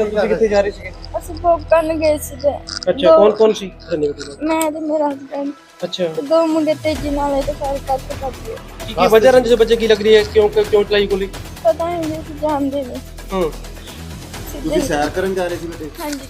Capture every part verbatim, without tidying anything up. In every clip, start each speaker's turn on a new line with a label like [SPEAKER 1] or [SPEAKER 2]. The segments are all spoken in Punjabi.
[SPEAKER 1] ਮੈਡਮ ਤੁਸੀਂ ਕਿੱਥੇ ਜਾ ਰਹੇ ਸੀਗੇ?
[SPEAKER 2] ਅਸੀਂ ਭੋਗ ਕਰਨ ਗਏ ਸੀ ਤੇ
[SPEAKER 1] ਅੱਛਾ, ਕੌਣ ਕੌਣ ਸੀ?
[SPEAKER 2] ਮੈਂ ਤੇ ਮੇਰਾ ਹਸਬੈਂਡ
[SPEAKER 1] ਅੱਛਾ,
[SPEAKER 2] ਤੇ ਦੋ ਮੁੰਡੇ ਤੇਜ਼ੀ ਨਾਲ ਇਹ ਤੇ ਫਾਇਰ ਕਰਕੇ ਭੱਜ ਗਏ।
[SPEAKER 1] ਕੀ ਕੀ ਵਜ੍ਹਾ ਰੰਜ ਬੱਚੇ ਕੀ ਲੱਗ ਰਹੀ ਹੈ? ਕਿਉਂ ਕਿਉਂ ਚਲਾਈ ਗੋਲੀ?
[SPEAKER 2] ਪਤਾ ਨਹੀਂ ਜੀ, ਅਸੀਂ ਜਾਣਦੇ ਨਹੀਂ।
[SPEAKER 1] ਹੂੰ,
[SPEAKER 2] ਸਿੱਧੇ
[SPEAKER 3] ਸੈਰ ਕਰਨ ਜਾ ਰਹੇ ਸੀ ਬੇਟੇ?
[SPEAKER 2] ਹਾਂਜੀ।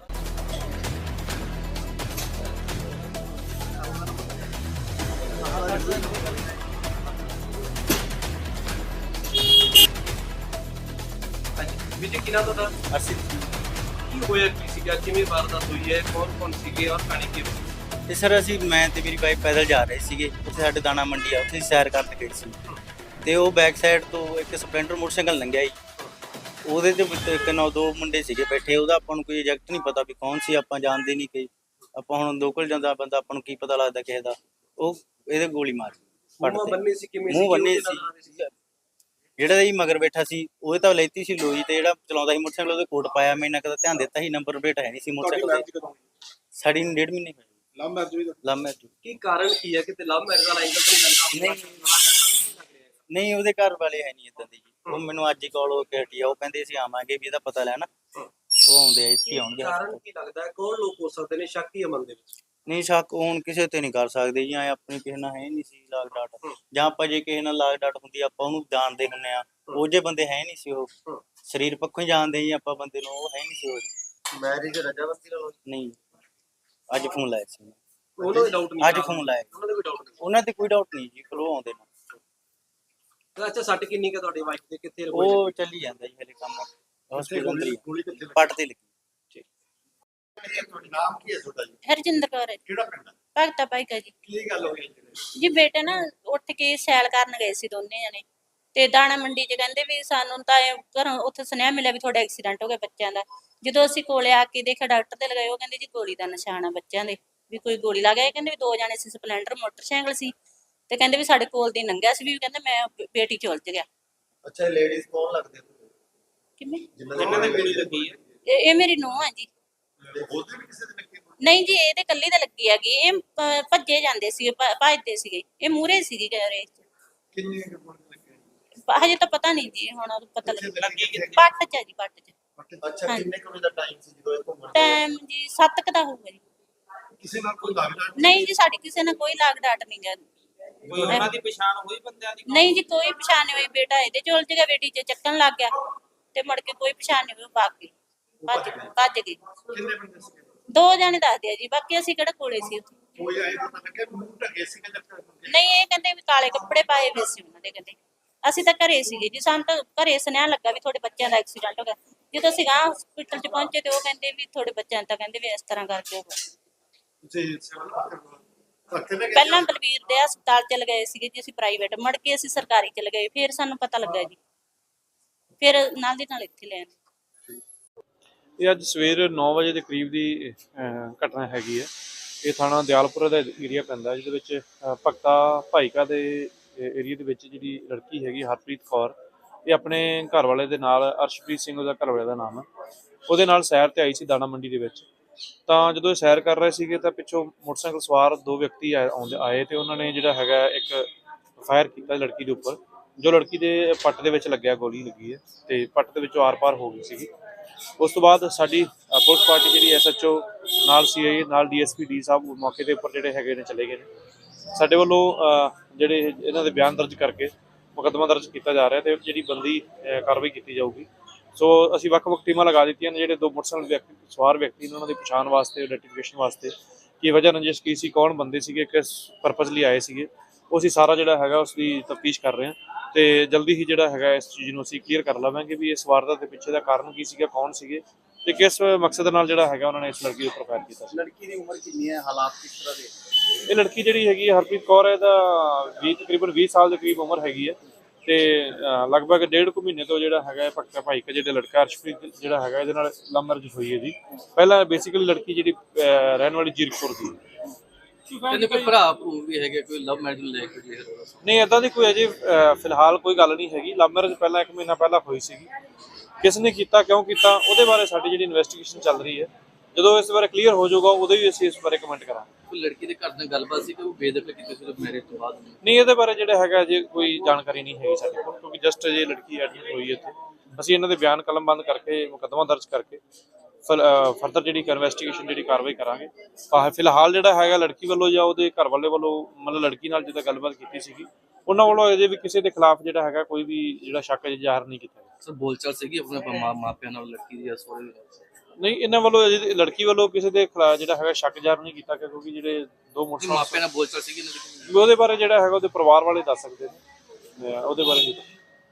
[SPEAKER 1] ਵੀਰੇ ਕਿਹਨਾਂ ਤੁਹਾਡਾ?
[SPEAKER 3] ਅਸੀਂ
[SPEAKER 1] ਕੀ ਹੋਇਆ ਕੀ ਸੀਗਾ? ਕਿਵੇਂ ਵਾਰਦਾਤ ਹੋਈ ਹੈ? ਕੌਣ ਕੌਣ ਸੀਗੇ ਔਰ ਕਹਾਣੀ ਕੀ ਹੋਈ?
[SPEAKER 3] ਤੇ ਸਰ ਅਸੀਂ ਮੈਂ ਤੇ ਮੇਰੀ ਵਾਈਫ ਪੈਦਲ ਜਾ ਰਹੇ ਸੀਗੇ। ਉੱਥੇ ਸਾਡੇ ਦਾਣਾ ਮੰਡੀ ਆ, ਉੱਥੇ ਸੈਰ ਕਰਨ ਗਏ ਸੀ ਤੇ ਉਹ ਬੈਕ ਸਾਈਡ ਤੋਂ ਇੱਕ ਸਪਲੈਂਡਰ ਮੋਟਰਸਾਈਕਲ ਲੰਘਿਆ ਜੀ। ਉਹਦੇ ਤੇ ਵਿੱਚ ਇੱਕ ਨੌ ਦੋ ਮੁੰਡੇ ਸੀਗੇ ਬੈਠੇ। ਉਹਦਾ ਆਪਾਂ ਨੂੰ ਕੋਈ ਐਗਜ਼ੈਕਟ ਨਹੀਂ ਪਤਾ ਵੀ ਕੌਣ ਸੀ, ਆਪਾਂ ਜਾਣਦੇ ਨਹੀਂ ਕਿ ਆਪਾਂ ਹੁਣ ਲੋਕਲ ਜਾਂਦਾ ਬੰਦਾ, ਆਪਾਂ ਨੂੰ ਕੀ ਪਤਾ ਲੱਗਦਾ ਕਿਸੇ ਦਾ। ਉਹ ਇਹਦੇ ਗੋਲੀ ਮਾਰੀ
[SPEAKER 1] ਮੂੰਹ ਬੰਨੇ ਸੀ ਕਿਵੇਂ ਸੀ?
[SPEAKER 3] ਮੂੰਹ ਬੰਨੇ ਸੀ। ਜਿਹੜਾ ਜੀ ਮਗਰ ਬੈਠਾ ਸੀ ਉਹਦੇ ਤਾਂ ਲੈਤੀ ਸੀ ਲੋਈ, ਤੇ ਜਿਹੜਾ ਚਲਾਉਂਦਾ ਸੀ ਮੋਟਰਸਾਈਕਲ ਉਹਦੇ ਕੋਟ ਪਾਇਆ। ਮੈਂ ਇਹਨਾਂ ਕਦਾ ਧਿਆਨ ਦਿੱਤਾ ਸੀ, ਨੰਬਰ ਪਲੇਟ ਹੈ ਨਹੀਂ ਸੀ ਮੋਟਰਸਾਈਕਲ ਤੇ। ਸਾਡੀ ਨੂੰ ਡੇਢ ਮਹੀਨੇ ਹੋਏ।
[SPEAKER 1] ਲਵ ਮੈਰਿਜ ਵੀ?
[SPEAKER 3] Love marriage.
[SPEAKER 1] ਕੀ ਕਾਰਨ ਕੀ ਹੈ? ਕਿਤੇ ਲਵ ਮੈਰਿਜ ਵਾਲਾ ਐਂਗਲ ਤਾਂ ਨਹੀਂ ਲੱਗਦਾ?
[SPEAKER 3] ਨਹੀਂ, ਉਹਦੇ ਘਰ ਵਾਲੇ ਹੈ ਨਹੀਂ ਇਦਾਂ ਦੀ ਜੀ। ਉਹ ਮੈਨੂੰ ਅੱਜ ਹੀ ਕਾਲ ਹੋ ਕੇ ਹਟੀ ਆ। ਉਹ ਕਹਿੰਦੇ ਅਸੀਂ ਆਵਾਂਗੇ ਵੀ ਇਹਦਾ ਪਤਾ ਲੈਣਾ। ਉਹ ਆਉਂਦੇ ਆ, ਇੱਥੇ ਆਉਣਗੇ।
[SPEAKER 1] ਕਾਰਨ ਕੀ ਲੱਗਦਾ ਹੈ? ਕੌਣ ਲੋਕ ਹੋ ਸਕਦੇ ਨੇ ਸ਼ੱਕ ਹੀ ਮਨ ਦੇ ਵਿੱਚ?
[SPEAKER 3] ਨਹੀਂ, ਸ਼ੱਕ ਹੁਣ ਕਿਸੇ ਤੇ ਨਹੀਂ ਕਰ ਸਕਦੇ ਜੀ। ਐ ਆਪਣੀ ਕਿਸੇ ਨਾਲ ਹੈ ਨਹੀਂ ਸੀ ਲਾਗ ਡਾਟ, ਜਾਂ ਆਪਾਂ ਜੇ ਕਿਸੇ ਨਾਲ ਲਾਗ ਡਾਟ ਹੁੰਦੀ ਆਪਾਂ ਉਹਨੂੰ ਜਾਣਦੇ ਹੁੰਦੇ ਆ। ਉਹ ਜੇ ਬੰਦੇ ਹੈ ਨਹੀਂ ਸੀ, ਉਹ ਸਰੀਰ ਪੱਖੋਂ ਹੀ ਜਾਣਦੇ ਜੀ ਆਪਾਂ ਬੰਦੇ ਨੂੰ। ਉਹ ਹੈ ਨਹੀਂ ਸੀ ਉਹ।
[SPEAKER 1] ਮੈਰਿਜ ਰਜਾਮੰਦੀ ਨਾਲ?
[SPEAKER 3] ਨਹੀਂ, ਅੱਜ ਫੋਨ ਲਾਇਆ ਸੀ
[SPEAKER 1] ਉਹਨਾਂ ਦੇ ਡਾਊਟ ਨਹੀਂ?
[SPEAKER 3] ਅੱਜ ਫੋਨ ਲਾਇਆ।
[SPEAKER 1] ਉਹਨਾਂ ਦੇ ਕੋਈ ਡਾਊਟ ਨਹੀਂ?
[SPEAKER 3] ਉਹਨਾਂ ਤੇ ਕੋਈ ਡਾਊਟ ਨਹੀਂ ਜੀ, ਕੋਲ ਆਉਂਦੇ ਨੇ।
[SPEAKER 1] ਅੱਛਾ, ਸੱਟ ਕਿੰਨੀ ਕੁ ਤੁਹਾਡੀ ਵਾਈਫ ਦੇ? ਕਿੱਥੇ
[SPEAKER 3] ਉਹ ਚੱਲੀ ਜਾਂਦਾ ਜੀ ਹਲੇ ਕੰਮ। ਹਸਪੀਟਲ ਪੱਟ ਤੇ ਲੱਗੀ।
[SPEAKER 1] ਨਾਮ ਕੀ ਹੈ ਤੁਹਾਡਾ ਜੀ?
[SPEAKER 4] ਹਰਜਿੰਦਰ ਕੌਰ ਹੈ ਜੀ।
[SPEAKER 1] ਕਿਹੜਾ ਪਿੰਡ ਹੈ?
[SPEAKER 4] ਭਗਤਾ ਭਾਈਕਾ ਜੀ।
[SPEAKER 1] ਕੀ ਗੱਲ ਹੋਈ ਹੈ
[SPEAKER 4] ਜੀ ਬੇਟੇ ਨਾ ਉੱਠ ਕੇ ਸੈਲ ਕਰਨ ਗਏ ਸੀ ਦੋਨੇ ਜਣੇ, ਤੇ ਦਾਣਾ ਮੰਡੀ 'ਚ ਕਹਿੰਦੇ ਵੀ ਸਾਨੂੰ ਤਾਂ ਇਹ ਘਰੋਂ ਉੱਥੇ ਸੁਨੇਹਾ ਮਿਲਿਆ ਵੀ ਤੁਹਾਡਾ ਐਕਸੀਡੈਂਟ ਹੋ ਗਿਆ ਬੱਚਿਆਂ ਦਾ। ਜਦੋਂ ਅਸੀਂ ਕੋਲੇ ਆ ਕੇ ਦੇਖਿਆ, ਡਾਕਟਰ ਤੇ ਲਗਾਏ, ਉਹ ਕਹਿੰਦੇ ਜੀ ਗੋਲੀ ਦਾ ਨਿਸ਼ਾਨ ਆ ਬੱਚਿਆਂ ਦੇ, ਵੀ ਕੋਈ ਗੋਲੀ ਲੱਗ ਗਈ। ਕਹਿੰਦੇ ਵੀ ਦੋ ਜਣੇ ਸੀ, ਸਪਲੈਂਡਰ ਮੋਟਰਸਾਈਕਲ ਸੀ, ਤੇ ਕਹਿੰਦੇ ਵੀ ਸਾਡੇ ਕੋਲ ਦੀ ਲੰਘਿਆ ਸੀ, ਵੀ ਕਹਿੰਦੇ ਮੈਂ ਬੇਟੀ ਚ ਉਲਝ ਗਿਆ।
[SPEAKER 3] ਅੱਛਾ, ਲੇਡੀਜ਼ ਕੌਣ ਲੱਗਦੇ?
[SPEAKER 4] ਕਿਵੇਂ?
[SPEAKER 1] ਜਿਨ੍ਹਾਂ ਦੇ ਗੋਲੀ ਲੱਗੀ ਹੈ?
[SPEAKER 4] ਇਹ ਇਹ ਮੇਰੀ ਨੂੰਹ ਹੈ ਜੀ।
[SPEAKER 1] ਉਹਦੇ ਵੀ ਕਿਸੇ ਦੇ ਲੱਗੀ?
[SPEAKER 4] ਨਹੀਂ ਜੀ, ਇਹਦੇ ਕੱਲੀ ਤਾਂ ਲੱਗੀ ਹੈਗੀ। ਇਹ ਭ- ਭੱਜੇ ਜਾਂਦੇ ਸੀਗੇ, ਭ- ਭੱਜਦੇ ਸੀਗੇ। ਇਹ ਮੂਹਰੇ ਸੀਗੀ ਰੇਸ ਚ।
[SPEAKER 1] ਕਿੰਨੀ ਕੁ ਗੋਲੀ ਲੱਗੀ?
[SPEAKER 4] ਹਜੇ ਤਾਂ ਪਤਾ ਨਹੀਂ ਜੀ, ਹੁਣ ਪਤਾ ਲੱਗ
[SPEAKER 1] ਲੱਗੀ ਕਿੱਥੇ?
[SPEAKER 4] ਪੱਟ ਚ ਹੈ ਜੀ, ਪੱਟ ਚ।
[SPEAKER 1] ਅੱਛਾ,
[SPEAKER 4] ਹਾਂਜੀ।
[SPEAKER 1] ਕਿੰਨੇ ਕੁ ਵਜੇ ਦਾ ਟਾਈਮ ਸੀ ਜਦੋਂ ਇਹ ਘੁੰਮਣ?
[SPEAKER 4] ਟਾਈਮ ਜੀ ਸੱਤ ਕੁ ਦਾ ਹੋਊਗਾ ਜੀ।
[SPEAKER 1] ਕਿਸੇ ਨਾਲ ਕੋਈ ਲੱਗਦਾ
[SPEAKER 4] ਨਹੀਂ ਜੀ, ਸਾਡੀ ਕਿਸੇ ਨਾਲ ਕੋਈ ਲਾਗ ਡਾਟ ਨਹੀਂ ਗਾ।
[SPEAKER 1] ਕੋਈ ਉਹਨਾਂ ਦੀ ਪਛਾਣ ਹੋਈ ਬੰਦਿਆਂ ਦੀ?
[SPEAKER 4] ਨਹੀਂ ਜੀ, ਕੋਈ ਪਛਾਣ ਨਹੀਂ ਹੋਈ। ਬੇਟਾ ਇਹਦੇ ਚ ਉਲਝ ਗਿਆ, ਬੇਟੀ ਚ ਚੱਕਣ ਲੱਗ ਗਿਆ, ਤੇ ਮੁੜ ਕੇ ਕੋਈ ਪਛਾਣ ਨਹੀਂ ਹੋਈ। ਉਹ ਭੱਜ ਗਏ, ਭੱਜ ਭੱਜ ਗਏ।
[SPEAKER 1] ਕਿੰਨੇ ਬੰਦੇ ਸੀ?
[SPEAKER 4] ਦੋ ਜਣੇ ਦੱਸਦੇ ਆ ਜੀ, ਬਾਕੀ ਅਸੀਂ ਕਿਹੜਾ ਕੋਲੇ ਸੀ ਉੱਥੇ।
[SPEAKER 1] ਕੋਈ ਆਏ ਪਤਾ ਲੱਗਿਆ ਮੂੰਹ ਢਕੇ ਸੀ ਕਿ ਜੱਟ?
[SPEAKER 4] ਨਹੀਂ, ਇਹ ਕਹਿੰਦੇ ਵੀ ਕਾਲੇ ਕੱਪੜੇ ਪਾਏ ਹੋਏ ਸੀ ਉਹਨਾਂ ਦੇ। ਕਹਿੰਦੇ ਅਸੀਂ ਤਾਂ ਘਰੇ ਸੀਗੇ ਜੀ, ਸਾਨੂੰ ਤਾਂ ਘਰੇ ਸੁਨੇਹਾ ਲੱਗਾ ਵੀ ਤੁਹਾਡੇ ਬੱਚਿਆਂ ਦਾ ਐਕਸੀਡੈਂਟ ਹੋ ਗਿਆ। ਜਦੋਂ ਅਸੀਂ ਗਾਂ ਹਸਪੀਟਲ ਚ ਪਹੁੰਚੇ ਤੇ ਉਹ ਕਹਿੰਦੇ ਵੀ ਤੁਹਾਡੇ ਬੱਚਿਆਂ ਤਾਂ ਕਹਿੰਦੇ ਵੀ ਇਸ ਤਰ੍ਹਾਂ ਕਰਕੇ ਹੋ ਗਿਆ।
[SPEAKER 1] ਤੁਸੀਂ ਸਿਵਲ ਹਸਪਤਾਲ
[SPEAKER 4] ਪਹਿਲਾਂ ਬਲਵੀਰ ਦੇ ਹਸਪਤਾਲ ਚ ਲਗਾਏ ਸੀਗੇ ਜੀ ਅਸੀਂ, ਪ੍ਰਾਈਵੇਟ, ਮੁੜ ਕੇ ਅਸੀਂ ਸਰਕਾਰੀ ਚ ਲਗਾਏ। ਫਿਰ ਸਾਨੂੰ ਪਤਾ ਲੱਗਾ ਜੀ, ਫਿਰ ਨਾਲ ਦੀ ਨਾਲ ਇੱਥੇ ਲੈਣ।
[SPEAKER 5] ਇਹ ਅੱਜ ਸਵੇਰ ਨੌ ਵਜੇ ਦੇ ਕਰੀਬ ਦੀ ਅਹ, ਘਟਨਾ ਹੈਗੀ ਹੈ। ਇਹ ਥਾਣਾ ਦਿਆਲਪੁਰਾ ਦਾ ਏਰੀਆ ਪੈਂਦਾ, ਜਿਹਦੇ ਵਿੱਚ ਅਹ, ਭਗਤਾ ਭਾਈਕਾ ਦੇ ਏਰੀਆ ਦੇ ਵਿੱਚ ਜਿਹੜੀ ਲੜਕੀ ਹੈਗੀ ਹਰਪ੍ਰੀਤ ਕੌਰ, ਇਹ ਆਪਣੇ ਘਰ ਵਾਲੇ ਦੇ ਨਾਲ, ਅਰਸ਼ਪ੍ਰੀਤ ਸਿੰਘ ਉਹਦਾ ਘਰ ਵਾਲੇ ਦਾ ਨਾਮ ਹੈ, ਉਹਦੇ ਨਾਲ ਸੈਰ ਤੇ ਆਈ ਸੀ ਦਾਣਾ ਮੰਡੀ ਦੇ ਵਿੱਚ। ਤਾਂ ਜਦੋਂ ਇਹ ਸੈਰ ਕਰ ਰਹੇ ਸੀਗੇ ਤਾਂ ਪਿੱਛੋਂ ਮੋਟਰਸਾਈਕਲ ਸਵਾਰ ਦੋ ਵਿਅਕਤੀ ਆਏ ਆਉਂਦੇ ਆਏ ਤੇ ਉਹਨਾਂ ਨੇ ਜਿਹੜਾ ਹੈਗਾ ਇੱਕ ਫਾਇਰ ਕੀਤਾ ਲੜਕੀ ਦੇ ਉੱਪਰ, ਜੋ ਲੜਕੀ ਦੇ ਪੱਟ ਦੇ ਵਿੱਚ ਲੱਗਿਆ, ਗੋਲੀ ਲੱਗੀ ਹੈ ਤੇ ਪੱਟ ਦੇ ਵਿੱਚੋਂ ਆਰ-ਪਾਰ ਹੋ ਗਈ ਸੀਗੀ। ਉਸ ਤੋਂ ਬਾਅਦ ਸਾਡੀ ਪੁਲਿਸ ਪਾਰਟੀ ਜਿਹੜੀ ਐਸ ਐਚ ਓ ਨਾਲ ਸੀ ਆਈ ਨਾਲ ਡੀ ਐਸ ਪੀ ਡੀ ਸਾਹਿਬ ਮੌਕੇ ਦੇ ਉੱਪਰ ਜਿਹੜੇ ਹੈਗੇ ਨੇ ਚਲੇ ਗਏ ਨੇ। ਸਾਡੇ ਵੱਲੋਂ ਜਿਹੜੇ ਇਹਨਾਂ ਦੇ ਬਿਆਨ ਦਰਜ ਕਰਕੇ ਮੁਕੱਦਮਾ ਦਰਜ ਕੀਤਾ ਜਾ ਰਿਹਾ ਤੇ ਜਿਹੜੀ ਬੰਦੀ ਕਾਰਵਾਈ ਕੀਤੀ ਜਾਊਗੀ। ਸੋ ਅਸੀਂ ਵੱਖ-ਵੱਖ ਟੀਮਾਂ ਲਗਾ ਦਿੱਤੀਆਂ ਨੇ। ਜਿਹੜੇ ਦੋ ਮੋਟਰਸਾਈਕਲ ਵਿਅਕਤੀ ਸਵਾਰ ਵਿਅਕਤੀ ਨੇ ਉਹਨਾਂ ਦੀ ਪਛਾਣ ਵਾਸਤੇ, ਆਈਡੈਂਟੀਫਿਕੇਸ਼ਨ ਵਾਸਤੇ, ਕੀ ਵਜ੍ਹਾ ਰੰਜਿਸ਼ ਕੀ ਸੀ, ਕੌਣ ਬੰਦੇ ਸੀਗੇ, ਕਿਸ ਪਰਪਸ ਲਈ ਆਏ ਸੀਗੇ, ਉਹ ਅਸੀਂ ਸਾਰਾ ਜਿਹੜਾ ਹੈਗਾ ਉਸ ਦੀ ਤਫਤੀਸ਼ ਕਰ ਰਹੇ ਹਾਂ ਤੇ ਜਲਦੀ ਹੀ ਜਿਹੜਾ ਹੈਗਾ ਇਸ ਚੀਜ਼ ਨੂੰ ਅਸੀਂ ਕਲੀਅਰ ਕਰ ਲਵਾਂਗੇ ਵੀ ਇਸ ਵਾਰਦਾਤ ਦੇ ਪਿੱਛੇ ਦਾ ਕਾਰਨ ਕੀ ਸੀਗਾ, ਕੌਣ ਸੀਗੇ ਤੇ ਕਿਸ ਮਕਸਦ ਨਾਲ ਜਿਹੜਾ ਹੈਗਾ ਉਹਨਾਂ ਨੇ ਇਸ ਲੜਕੀ ਉੱਪਰ ਫਾਇਰ ਕੀਤਾ ਸੀ।
[SPEAKER 1] ਲੜਕੀ ਦੀ ਉਮਰ ਕਿੰਨੀ ਹੈ? ਹਾਲਾਤ ਕਿਸ ਤਰ੍ਹਾਂ ਦੇ?
[SPEAKER 5] ਇਹ ਲੜਕੀ ਜਿਹੜੀ ਹੈਗੀ ਹਰਪ੍ਰੀਤ ਕੌਰ ਹੈ, ਇਹਦਾ ਵੀਹ ਤਕਰੀਬਨ ਵੀਹ ਸਾਲ ਦੇ ਕਰੀਬ ਉਮਰ ਹੈਗੀ ਹੈ ਤੇ ਲਗਭਗ ਡੇਢ ਕੁ ਮਹੀਨੇ ਤੋਂ ਜਿਹੜਾ ਹੈਗਾ ਭਗਤਾ ਭਾਈਕਾ ਜਿਹੜੇ ਲੜਕਾ ਅਰਸ਼ਪ੍ਰੀਤ ਜਿਹੜਾ ਹੈਗਾ ਇਹਦੇ ਨਾਲ ਲਵ ਮੈਰਿਜ ਹੋਈ ਹੈ ਜੀ। ਪਹਿਲਾਂ ਬੇਸਿਕਲੀ ਲੜਕੀ ਜਿਹੜੀ ਰਹਿਣ ਵਾਲੀ ਜੀਰਕਪੁਰ ਦੀ।
[SPEAKER 6] ਕਹਿੰਦੇ ਕੋਈ ਭਰਾ ਵੀ ਹੈਗੇ, ਕੋਈ ਲਵ ਮੈਰਿਜ ਨੂੰ ਲੈ ਕੇ?
[SPEAKER 5] ਨਹੀਂ, ਏਦਾਂ ਦੀ ਕੋਈ ਅਜੇ ਫਿਲਹਾਲ ਕੋਈ ਗੱਲ ਨਹੀਂ ਹੈਗੀ। ਲਵ ਮੈਰਿਜ ਪਹਿਲਾਂ ਇੱਕ ਮਹੀਨਾ ਪਹਿਲਾਂ ਹੋਈ ਸੀਗੀ। ਕਿਸ ਨੇ ਕੀਤਾ, ਕਿਉਂ ਕੀਤਾ, ਉਹਦੇ ਬਾਰੇ ਸਾਡੀ ਜਿਹੜੀ ਇਨਵੈਸਟੀਗੇਸ਼ਨ ਚੱਲ ਰਹੀ ਹੈ। ਜਦੋਂ ਇਸ ਬਾਰੇ ਕਲੀਅਰ ਹੋ ਜਾਊਗਾ ਉਦੋਂ ਹੀ ਅਸੀਂ ਇਸ ਬਾਰੇ ਕਮੈਂਟ ਕਰਾਂਗੇ।
[SPEAKER 6] ਕੋਈ ਲੜਕੀ ਦੇ ਘਰ ਨਾਲ ਗੱਲਬਾਤ ਸੀ ਕਿ ਉਹ ਬੇਦਖਲ ਕੀਤੀ ਸੀ ਮੈਰਿਜ ਤੋਂ ਬਾਅਦ?
[SPEAKER 5] ਨਹੀਂ, ਇਹਦੇ ਬਾਰੇ ਜਿਹੜਾ ਹੈਗਾ ਜੇ ਕੋਈ ਜਾਣਕਾਰੀ ਨਹੀਂ ਹੈਗੀ ਸਾਡੇ ਕੋਲ, ਕਿਉਂਕਿ ਜਸਟ ਜੇ ਲੜਕੀ ਐਡਮਿਟ ਹੋਈ ਹੈ ਇੱਥੇ। ਅਸੀਂ ਇਹਨਾਂ ਦੇ ਬਿਆਨ ਕਲਮਬੰਦ ਕਰਕੇ ਮੁਕੱਦਮਾ ਦਰਜ ਕਰਕੇ ਫਰਦਰ ਜਿਹੜੀ ਇਨਵੈਸਟੀਗੇਸ਼ਨ ਜਿਹੜੀ ਕਾਰਵਾਈ ਕਰਾਂਗੇ। ਤਾਂ ਫਿਲਹਾਲ ਜਿਹੜਾ ਹੈਗਾ ਲੜਕੀ ਵੱਲੋਂ ਜਾਂ ਉਹਦੇ ਘਰ ਵਾਲੇ ਵੱਲੋਂ ਮਤਲਬ ਲੜਕੀ ਨਾਲ ਜਿੱਦਾਂ ਗੱਲਬਾਤ ਕੀਤੀ ਸੀਗੀ ਉਹਨਾਂ ਵੱਲੋਂ ਅਜੇ ਵੀ ਕਿਸੇ ਦੇ ਖਿਲਾਫ ਜਿਹੜਾ ਹੈਗਾ ਕੋਈ ਵੀ ਜਿਹੜਾ ਸ਼ੱਕ ਅਜੇ ਜ਼ਾਹਰ ਨਹੀਂ ਕੀਤਾ ਗਿਆ।
[SPEAKER 6] ਸਰ ਬੋਲਚਾਲ ਸੀਗੀ ਆਪਣੇ ਮਾਂ ਮਾਪਿਆਂ ਨਾਲ ਲੜਕੀ ਦੀ ਜਾਂ ਸਹੁਰੇ
[SPEAKER 5] ਨਹੀਂ ਇਹਨਾਂ ਵੱਲੋਂ ਅਜੇ ਲੜਕੀ ਵੱਲੋਂ ਕਿਸੇ ਦੇ ਖਿਲਾਫ ਜਿਹੜਾ ਹੈਗਾ ਸ਼ੱਕ ਜ਼ਾਹਰ ਨਹੀਂ ਕੀਤਾ ਗਿਆ ਕਿਉਂਕਿ ਜਿਹੜੇ ਦੋ
[SPEAKER 6] ਦੀ
[SPEAKER 5] ਮੋਟਰਸਾਈਕਲ
[SPEAKER 6] ਮਾਪਿਆਂ ਨਾਲ ਬੋਲਚਾਲ ਸੀਗੀ ਇਹਨਾਂ ਦੀ?
[SPEAKER 5] ਉਹਦੇ ਬਾਰੇ ਜਿਹੜਾ ਹੈਗਾ ਉਹਦੇ ਪਰਿਵਾਰ ਵਾਲੇ ਦੱਸ ਸਕਦੇ ਨੇ, ਉਹਦੇ ਬਾਰੇ ਨਹੀਂ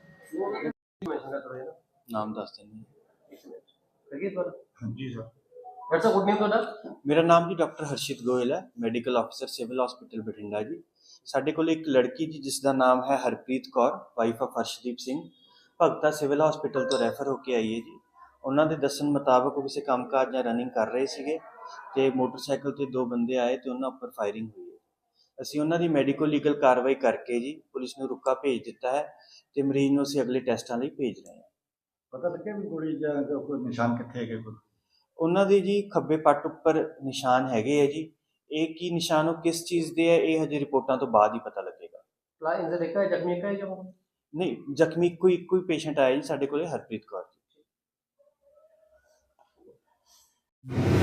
[SPEAKER 7] ਨਾਮ ਦੱਸ ਦਿੰਦੇ
[SPEAKER 8] ਹੈਗੀ ਤੁਹਾਡਾ?
[SPEAKER 7] ਹਾਂਜੀ ਸਰ।
[SPEAKER 8] ਡਾਕਟਰ ਸਾਹਿਬ ਗੁੱਡ ਨੇਮ ਤੁਹਾਡਾ?
[SPEAKER 7] ਮੇਰਾ ਨਾਮ ਜੀ ਡਾਕਟਰ ਹਰਸ਼ਿਤ ਗੋਇਲ ਹੈ, ਮੈਡੀਕਲ ਅਫਸਰ ਸਿਵਲ ਹਸਪੀਟਲ ਬਠਿੰਡਾ ਜੀ। ਸਾਡੇ ਕੋਲ ਇੱਕ ਲੜਕੀ ਜੀ ਜਿਸ ਦਾ ਨਾਮ ਹੈ Harpreet Kaur, wife of Harshdeep Singh, Bhagta civil hospital ਤੋਂ ਰੈਫਰ ਹੋ ਕੇ ਆਈ ਹੈ ਜੀ। ਉਹਨਾਂ ਦੇ ਦੱਸਣ ਮੁਤਾਬਕ ਉਹ ਕਿਸੇ ਕੰਮਕਾਜ ਜਾਂ ਰਨਿੰਗ ਕਰ ਰਹੇ ਸੀਗੇ ਤੇ ਮੋਟਰਸਾਈਕਲ ਤੇ ਦੋ ਬੰਦੇ ਆਏ ਤੇ ਉਹਨਾਂ ਉੱਪਰ ਫਾਇਰਿੰਗ ਹੋਈ ਹੈ। ਅਸੀਂ ਉਹਨਾਂ ਦੀ ਮੈਡੀਕੋ ਲੀਗਲ ਕਾਰਵਾਈ ਕਰਕੇ ਜੀ ਪੁਲਿਸ ਨੂੰ ਰੁਕਾ ਭੇਜ ਦਿੱਤਾ ਹੈ ਤੇ ਮਰੀਜ਼ ਨੂੰ ਅਸੀਂ ਅਗਲੇ ਟੈਸਟਾਂ ਲਈ ਭੇਜ ਰਹੇ ਹਾਂ।
[SPEAKER 9] ਪਤਾ ਲੱਗਿਆ ਵੀ ਗੋਲੀ ਜਾਂ ਕੋਈ ਨਿਸ਼ਾਨ ਕਿੱਥੇ ਹੈਗੇ ਕੋਈ?
[SPEAKER 7] ਉਹਨਾਂ ਦੇ ਜੀ ਖੱਬੇ ਪੱਟ ਉੱਪਰ ਨਿਸ਼ਾਨ ਹੈਗੇ ਆ ਜੀ। ਇਹ ਕੀ ਨਿਸ਼ਾਨ ਉਹ ਕਿਸ ਚੀਜ਼ ਦੇ ਹੈ ਇਹ ਹਜੇ ਰਿਪੋਰਟਾਂ ਤੋਂ ਬਾਅਦ ਹੀ ਪਤਾ ਲੱਗੇਗਾ।
[SPEAKER 8] ਪਲਾ ਇੰਜਰ ਦੇਖਾ ਹੈ ਜ਼ਖਮੀ ਕਾ ਹੈ ਜਾਂ
[SPEAKER 7] ਨਹੀਂ, ਜ਼ਖਮੀ ਕੋਈ ਕੋਈ ਪੇਸ਼ੈਂਟ ਆਇਆ ਜੀ ਸਾਡੇ ਕੋਲੇ, ਹਰਪ੍ਰੀਤ ਕੌਰ ਜੀ।